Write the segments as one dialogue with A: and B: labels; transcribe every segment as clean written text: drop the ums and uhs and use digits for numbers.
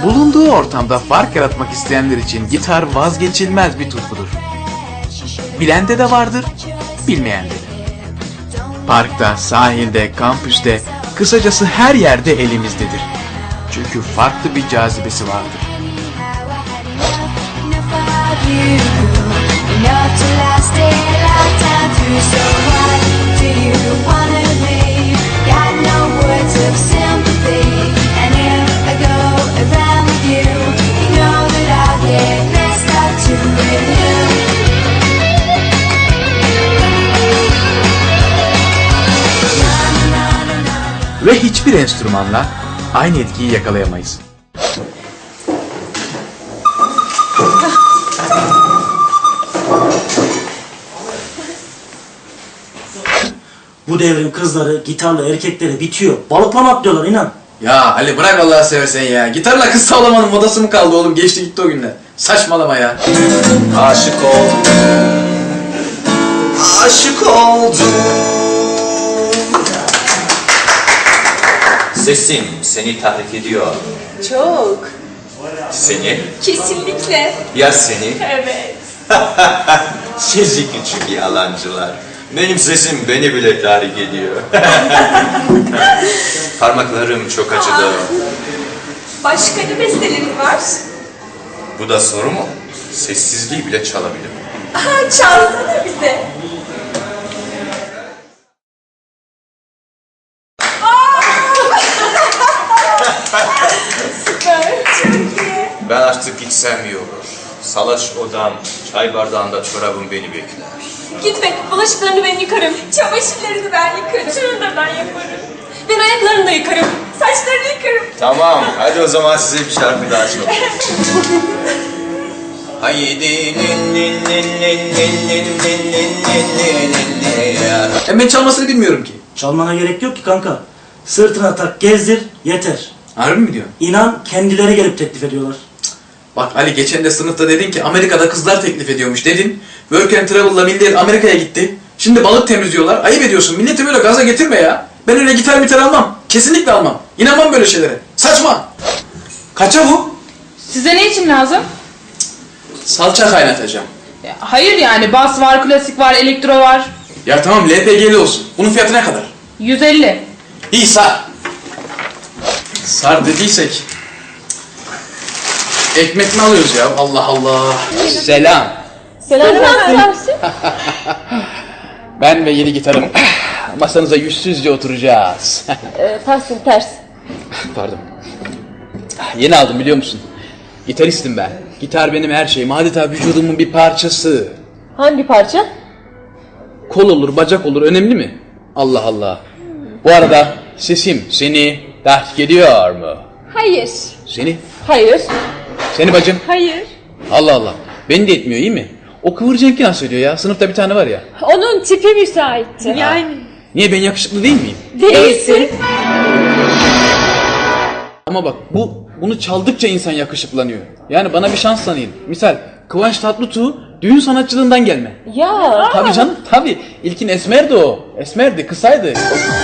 A: Bulunduğu ortamda fark yaratmak isteyenler için gitar vazgeçilmez bir tutkudur. Bilende de vardır, bilmeyende de. Parkta, sahilde, kampüste, kısacası her yerde elimizdedir. Çünkü farklı bir cazibesi vardır. Ve hiçbir enstrümanla aynı etkiyi yakalayamayız.
B: Bu devrin kızları gitarla erkeklere bitiyor. Balıklama atlıyorlar inan.
C: Ya Ali bırak Allah'ı seversen ya. Gitarla kız tavlamanın modası mı kaldı oğlum? Geçti gitti o günler. Saçmalama ya.
D: Aşık oldum, aşık oldum. Sesim seni tahrik ediyor.
E: Çok.
D: Seni?
E: Kesinlikle.
D: Ya seni?
E: Evet.
D: Sizi küçük yalancılar. Benim sesim beni bile tahrik ediyor. Parmaklarım çok acıdı.
E: Başka ne bestelerin var?
D: Bu da soru mu? Sessizliği bile çalabilirim.
E: Aha, çalsana bize. Süper, çok iyi.
D: Ben artık gitsem iyi olur. Salaş odam, çay bardağında çorabım beni bekler.
E: Gitme, bulaşıklarını ben yıkarım. Çamaşırlarını ben yıkarım. Şunu da ben yaparım. Ben ayaklarını da yıkarım. Saçlarını yıkarım.
D: Tamam, hadi o zaman size bir şarkı daha çalalım. Haydi
C: Ben çalmasını bilmiyorum ki.
B: Çalmana gerek yok ki kanka. Sırtına tak gezdir yeter.
C: Harbi mi diyorsun?
B: İnan kendileri gelip teklif ediyorlar.
C: Bak Ali geçen de sınıfta dedin ki Amerika'da kızlar teklif ediyormuş dedin. Work and Travel'la millet Amerika'ya gitti. Şimdi balık temizliyorlar. Ayıp ediyorsun. Milleti böyle gaza getirme ya. Ben öyle gitar almam. Kesinlikle almam. İnanmam böyle şeylere. Saçma. Kaça bu?
F: Size ne için lazım?
C: Salça kaynatacağım.
F: Hayır yani bas var, klasik var, elektro var.
C: Ya tamam LPG'li olsun. Bunun fiyatı ne kadar?
F: 150.
C: İyi sar. Sar dediysek. Ekmek mi alıyoruz ya? Allah Allah. Selam.
E: Selam Tahsin.
C: Ben ve yeni gitarım. Masanıza yüzsüzce oturacağız.
E: Tahsin ters.
C: Pardon. Yeni aldım biliyor musun? Gitaristim ben. Gitar benim her şeyim. Adeta vücudumun bir parçası.
E: Hangi parça?
C: Kol olur, bacak olur. Önemli mi? Allah Allah. Bu arada sesim seni tahrik ediyor mu?
E: Hayır.
C: Seni?
E: Hayır.
C: Seni bacım?
E: Hayır.
C: Allah Allah. Beni de etmiyor iyi mi? O kıvırcık nasıl ediyor ya? Sınıfta bir tane var ya.
E: Onun tipi müsaitti. Yani.
C: Niye ben yakışıklı değil miyim?
E: Değilsin.
C: Ama bak bunu çaldıkça insan yakışıklanıyor. Yani bana bir şans tanıyın. Misal Kıvanç Tatlıtuğ düğün sanatçılığından gelme.
E: Ya.
C: Tabii canım tabii. İlkin esmerdi o. Esmerdi, kısaydı.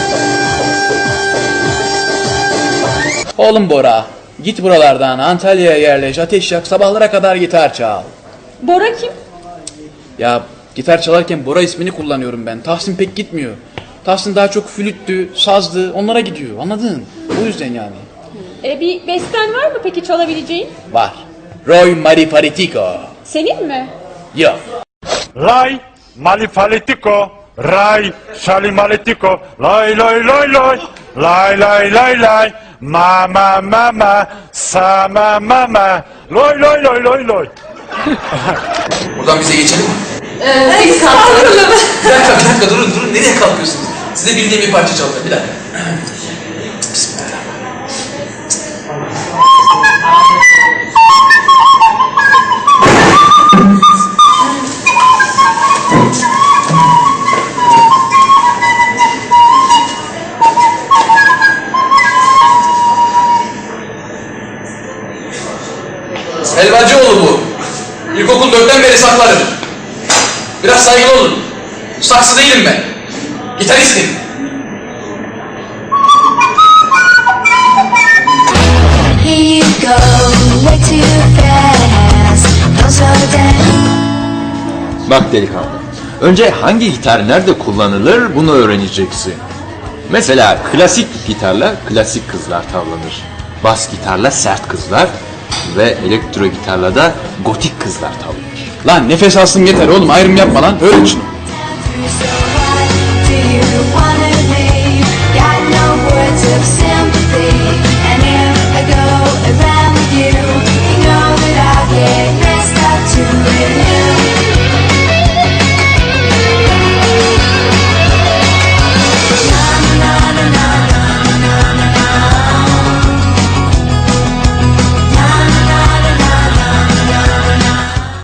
C: Oğlum Bora, git buralardan Antalya'ya yerleş, ateş yak, sabahlara kadar gitar çal.
E: Bora kim?
C: Ya gitar çalarken Bora ismini kullanıyorum ben. Tahsin pek gitmiyor. Tahsin daha çok flüttü, sazdı, onlara gidiyor. Anladın? O yüzden yani.
E: Bir besten var mı peki çalabileceğin?
C: Var. Roy Marifaritico.
E: Senin mi?
C: Yok.
G: Lay malifaletico, ray şalimaletico, lay lay lay lay, lay lay lay lay, mama mama, sama mama, lay lay lay lay lay.
C: Buradan bize geçelim mi?
E: Biz kalkalım.
C: Bir dakika durun. Nereye kalkıyorsunuz? Size bildiğim bir parça çalacağım. Bir dakika. Bismillahirrahmanirrahim. Helvacıoğlu bu. İlkokul 4'ten beri saklarım. Biraz saygılı olun. Saksı değilim ben. Gitaristim.
H: Here you go.
D: Bak delikanlı, önce hangi gitar nerede kullanılır bunu öğreneceksin. Mesela klasik gitarla klasik kızlar tavlanır. Bas gitarla sert kızlar ve elektro gitarla da gotik kızlar tavlanır.
A: Lan nefes alsın yeter oğlum, ayrım yapma lan, öğren şunu.